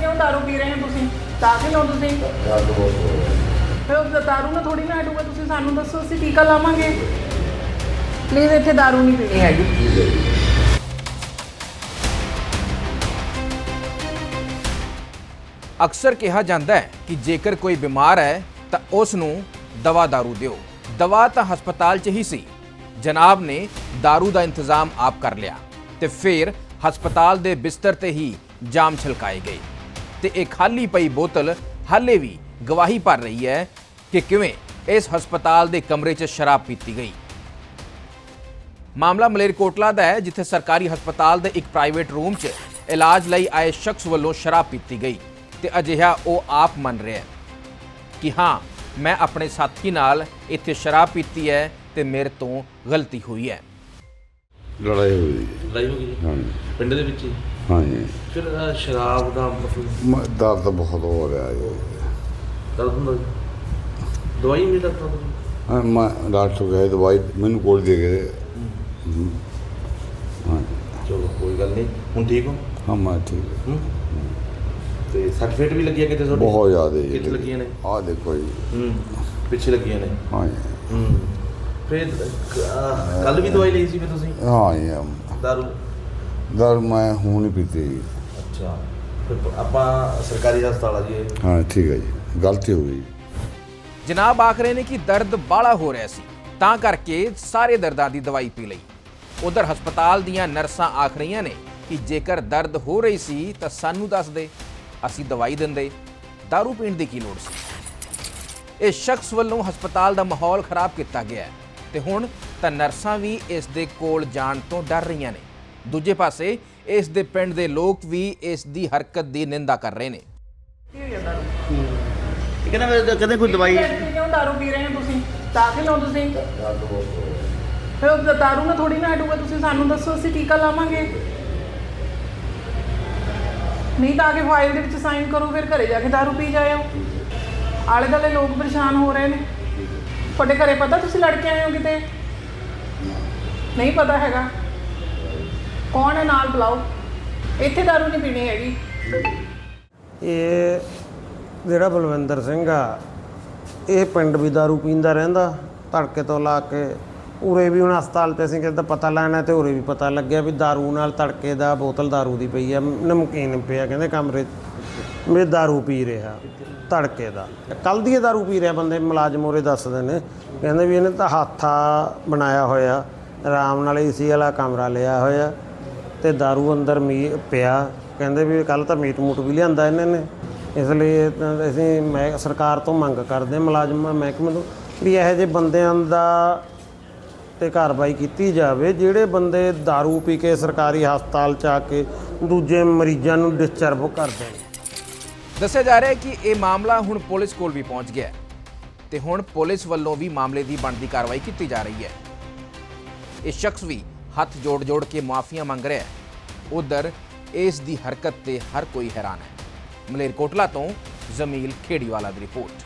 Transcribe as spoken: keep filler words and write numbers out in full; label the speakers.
Speaker 1: क्यों दारू पी रहे हैं तुसीं? ਤਾਂ ਕਿ ਲਓ ਤੁਸੀਂ ਫਿਰ ਉਹ ਦਾਰੂ ਨਾਲ ਥੋੜੀ ਨਾ ਹਟੂਗਾ। ਤੁਸੀਂ ਸਾਨੂੰ ਦੱਸੋ, ਅਸੀਂ ਟੀਕਾ ਲਾਵਾਂਗੇ। ਪਲੀਜ਼ ਇੱਥੇ ਦਾਰੂ ਨਹੀਂ ਪੀਣੀ ਹੈਗੀ।
Speaker 2: ਅਕਸਰ ਕਿਹਾ ਜਾਂਦਾ ਹੈ ਕਿ ਜੇਕਰ ਕੋਈ ਬਿਮਾਰ ਹੈ ਤਾਂ ਉਸ ਨੂੰ ਦਵਾ ਦਾਰੂ ਦਿਓ। ਦਵਾ ਤਾਂ ਹਸਪਤਾਲ 'ਚ ਹੀ ਸੀ। ਜਨਾਬ ਨੇ ਦਾਰੂ ਦਾ ਇੰਤਜ਼ਾਮ ਆਪ ਕਰ ਲਿਆ ਤੇ ਫਿਰ ਹਸਪਤਾਲ ਦੇ ਬਿਸਤਰ ਤੇ ਹੀ ਜਾਮ ਛਲਕਾਏ ਗਏ ਤੇ ਇਹ ਖਾਲੀ ਪਈ ਬੋਤਲ ਹਾਲੇ ਵੀ ਗਵਾਹੀ ਭਰ ਰਹੀ ਹੈ ਕਿ ਕਿਵੇਂ ਇਸ ਹਸਪਤਾਲ ਦੇ ਕਮਰੇ 'ਚ ਸ਼ਰਾਬ ਪੀਤੀ ਗਈ। ਮਾਮਲਾ ਮਲੇਰਕੋਟਲਾ ਦਾ ਹੈ, ਜਿੱਥੇ ਸਰਕਾਰੀ ਹਸਪਤਾਲ ਦੇ ਇੱਕ ਪ੍ਰਾਈਵੇਟ ਰੂਮ 'ਚ ਇਲਾਜ ਲਈ ਆਏ ਸ਼ਖਸ ਵੱਲੋਂ ਸ਼ਰਾਬ ਪੀਤੀ ਗਈ ਤੇ ਅਜਿਹਾ ਉਹ ਆਪ ਮੰਨ ਰਿਹਾ ਹੈ ਕਿ ਹਾਂ, ਮੈਂ ਆਪਣੇ ਸਾਥੀ ਨਾਲ ਇੱਥੇ ਸ਼ਰਾਬ ਪੀਤੀ ਹੈ ਤੇ ਮੇਰੇ ਤੋਂ ਗਲਤੀ ਹੋਈ ਹੈ।
Speaker 3: ਲੜਾਈ ਹੋਈ
Speaker 4: ਲੜਾਈ ਹੋ ਗਈ
Speaker 3: ਹਾਂ
Speaker 4: ਪਿੰਡ ਦੇ ਵਿੱਚ ਹੀ।
Speaker 3: ਹਾਂਜੀ
Speaker 4: ਫਿਰ ਅਹ, ਸ਼ਰਾਬ ਦਾ ਮਤਲਬ
Speaker 3: ਮ- ਦਰਦ ਬਹੁਤ ਹੋ ਰਿਹਾ ਹੈ।
Speaker 4: ਦਰਦ ਹੁੰਦਾ ਸੀ? ਦਵਾਈ ਨਹੀਂ ਡਾਕਟਰ ਤੋਂ?
Speaker 3: ਹਾਂ ਮੈਂ ਡਾਕਟਰ ਗਏ ਦਵਾਈ ਮੈਨੂੰ ਕੋਲ ਦੇ ਗਏ ਹਮ। ਹਾਂ
Speaker 4: ਚਲੋ ਕੋਈ ਗੱਲ ਨਹੀਂ, ਹੁਣ ਠੀਕ ਹੋ?
Speaker 3: ਹਾਂ ਮੈਂ ਠੀਕ
Speaker 4: ਹੂੰ। ਤੇ ਸਰਟੀਫਿਕੇਟ ਵੀ ਲੱਗਿਆ ਕਿਤੇ ਤੁਹਾਡੇ?
Speaker 3: ਬਹੁਤ ਜ਼ਿਆਦਾ ਜੀ।
Speaker 4: ਕਿੱਥੇ ਲੱਗੀਆਂ ਨੇ?
Speaker 3: ਆਹ ਦੇਖੋ ਜੀ।
Speaker 4: ਹੂੰ, ਪਿੱਛੇ ਲੱਗੀਆਂ ਨੇ।
Speaker 3: ਹਾਂ ਜੀ।
Speaker 4: ਹੂੰ। ਫਿਰ ਕੱਲ ਵੀ ਦਵਾਈ ਲਈ ਸੀ ਫਿਰ ਤੁਸੀਂ?
Speaker 3: ਹਾਂ ਜੀ
Speaker 4: ਦਾਰੂ?
Speaker 3: ਦਰ ਮੈਂ ਹੁਣ ਹੀ ਪੀਤੀ ਜੀ।
Speaker 4: ਅੱਛਾ, ਫਿਰ ਆਪਾਂ ਸਰਕਾਰੀ ਹਸਪਤਾਲ ਆ ਜੀ ਇਹ?
Speaker 3: ਹਾਂ ਠੀਕ ਹੈ ਜੀ, ਗਲਤੀ ਹੋ ਗਈ।
Speaker 2: ਜਨਾਬ ਆਖ ਰਹੇ ਨੇ ਕਿ ਦਰਦ ਬਾਹਲਾ ਹੋ ਰਿਹਾ ਸੀ ਤਾਂ ਕਰਕੇ ਸਾਰੇ ਦਰਦਾਂ ਦੀ ਦਵਾਈ ਪੀ ਲਈ। ਉਧਰ ਹਸਪਤਾਲ ਦੀਆਂ ਨਰਸਾਂ ਆਖ ਰਹੀਆਂ ਨੇ ਕਿ ਜੇਕਰ ਦਰਦ ਹੋ ਰਹੀ ਸੀ ਤਾਂ ਸਾਨੂੰ ਦੱਸ ਦੇ, ਅਸੀਂ ਦਵਾਈ ਦਿੰਦੇ। ਦਾਰੂ ਪੀਣ ਦੀ ਕੀ ਲੋੜ ਸੀ? ਇਸ ਸ਼ਖਸ ਵੱਲੋਂ ਹਸਪਤਾਲ ਦਾ ਮਾਹੌਲ ਖਰਾਬ ਕੀਤਾ ਗਿਆ ਹੈ ਤੇ ਹੁਣ ਤਾਂ ਨਰਸਾਂ ਵੀ ਇਸ ਦੇ ਕੋਲ ਜਾਣ ਤੋਂ ਡਰ ਰਹੀਆਂ ਨੇ। ਦੂਜੇ ਪਾਸੇ ਇਸ ਦੇ ਪਿੰਡ ਦੇ ਲੋਕ ਵੀ ਇਸ ਦੀ ਹਰਕਤ ਦੀ ਨਿੰਦਾ ਕਰ ਰਹੇ ਨੇ।
Speaker 1: ਕੀ ਹੋ ਗਿਆ ਦਾਰੂ?
Speaker 5: ਇਹ ਕਹਿੰਦਾ ਮੈਂ ਕਦੇ ਕੋਈ ਦਵਾਈ
Speaker 1: ਕਿਉਂ ਦਾਰੂ ਪੀ ਰਹੇ ਹੋ ਤੁਸੀਂ? ਤਾਂ ਕਿ ਲਓ ਤੁਸੀਂ ਫਿਰ ਉਹ ਦਾਰੂ ਨਾਲ ਥੋੜੀ ਨਾ ਹਟੂਗਾ। ਤੁਸੀਂ ਸਾਨੂੰ ਦੱਸੋ, ਅਸੀਂ ਟੀਕਾ ਲਾਵਾਂਗੇ। ਨਹੀਂ ਤਾਂ ਆ ਕੇ ਫਾਈਲ ਦੇ ਵਿੱਚ ਸਾਈਨ ਕਰੋ, ਫਿਰ ਘਰੇ ਜਾ ਕੇ ਦਾਰੂ ਪੀ ਜਾਇਓ। ਆਲੇ ਦੁਆਲੇ ਲੋਕ ਪਰੇਸ਼ਾਨ ਹੋ ਰਹੇ ਨੇ। ਤੁਹਾਡੇ ਘਰੇ ਪਤਾ ਤੁਸੀਂ ਲੜ ਕੇ ਆਏ ਹੋ ਕਿਤੇ? ਨਹੀਂ ਪਤਾ ਹੈਗਾ। ਕੌਣ ਹੈ ਨਾਲ? ਬੁਲਾਓ। ਇੱਥੇ ਦਾਰੂ ਨਹੀਂ ਪੀਣੀ ਹੈਗੀ।
Speaker 6: ਇਹ ਜਿਹੜਾ ਬਲਵਿੰਦਰ ਸਿੰਘ ਆ, ਇਹ ਪਿੰਡ ਵੀ ਦਾਰੂ ਪੀਂਦਾ ਰਹਿੰਦਾ ਧੜਕੇ ਤੋਂ ਲਾ ਕੇ। ਉਰੇ ਵੀ ਹੁਣ ਹਸਪਤਾਲ 'ਤੇ ਅਸੀਂ ਕਿਤੇ ਪਤਾ ਲੈਣਾ ਤੇ ਉਰੇ ਵੀ ਪਤਾ ਲੱਗਿਆ ਵੀ ਦਾਰੂ ਨਾਲ ਤੜਕੇ ਦਾ ਬੋਤਲ ਦਾਰੂ ਦੀ ਪਈ ਆ, ਨਮਕੀਨ ਪਿਆ ਕਹਿੰਦੇ ਕਮਰੇ 'ਚ ਵੀ ਦਾਰੂ ਪੀ ਰਿਹਾ ਤੜਕੇ ਦਾ। ਕੱਲ੍ਹ ਦੀ ਇਹ ਦਾਰੂ ਪੀ ਰਿਹਾ। ਬੰਦੇ ਮੁਲਾਜ਼ਮ ਉਰੇ ਦੱਸਦੇ ਨੇ, ਕਹਿੰਦੇ ਵੀ ਇਹਨੇ ਤਾਂ ਹੱਥਾ ਬਣਾਇਆ ਹੋਇਆ, ਆਰਾਮ ਨਾਲ ਏ ਸੀ ਵਾਲਾ ਕਮਰਾ ਲਿਆ ਹੋਇਆ ਤੇ ਦਾਰੂ ਅੰਦਰ ਮੀ ਪਿਆ। ਕਹਿੰਦੇ ਵੀ ਕੱਲ੍ਹ ਤਾਂ ਮੀਟ ਮੂਟ ਵੀ ਲਿਆਂਦਾ ਇਹਨਾਂ ਨੇ। ਇਸ ਲਈ ਅਸੀਂ ਮੈਂ ਸਰਕਾਰ ਤੋਂ ਮੰਗ ਕਰਦੇ ਮੁਲਾਜ਼ਮ ਮਹਿਕਮੇ ਤੋਂ ਵੀ ਇਹੋ ਜਿਹੇ ਬੰਦਿਆਂ ਦਾ ਤੇ ਕਾਰਵਾਈ ਕੀਤੀ ਜਾਵੇ ਜਿਹੜੇ ਬੰਦੇ ਦਾਰੂ ਪੀ ਕੇ ਸਰਕਾਰੀ ਹਸਪਤਾਲ 'ਚ ਆ ਕੇ ਦੂਜੇ ਮਰੀਜ਼ਾਂ ਨੂੰ ਡਿਸਟਰਬ ਕਰਦੇ ਨੇ।
Speaker 2: ਦੱਸਿਆ ਜਾ ਰਿਹਾ ਹੈ ਕਿ ਇਹ ਮਾਮਲਾ ਹੁਣ ਪੁਲਿਸ ਕੋਲ ਵੀ ਪਹੁੰਚ ਗਿਆ ਹੈ ਤੇ ਹੁਣ ਪੁਲਿਸ ਵੱਲੋਂ ਵੀ ਮਾਮਲੇ ਦੀ ਬਣਦੀ ਕਾਰਵਾਈ ਕੀਤੀ ਜਾ ਰਹੀ ਹੈ। ਇਹ ਸ਼ਖਸ ਵੀ ਹੱਥ ਜੋੜ ਜੋੜ ਕੇ ਮੁਆਫੀਆਂ ਮੰਗ ਰਿਹਾ ਹੈ। ਉਧਰ ਇਸ ਦੀ ਹਰਕਤ ਤੇ ਹਰ ਕੋਈ ਹੈਰਾਨ ਹੈ। ਮਲੇਰਕੋਟਲਾ ਤੋਂ ਜ਼ਮੀਲ ਖੇੜੀਵਾਲਾ ਦੀ ਰਿਪੋਰਟ।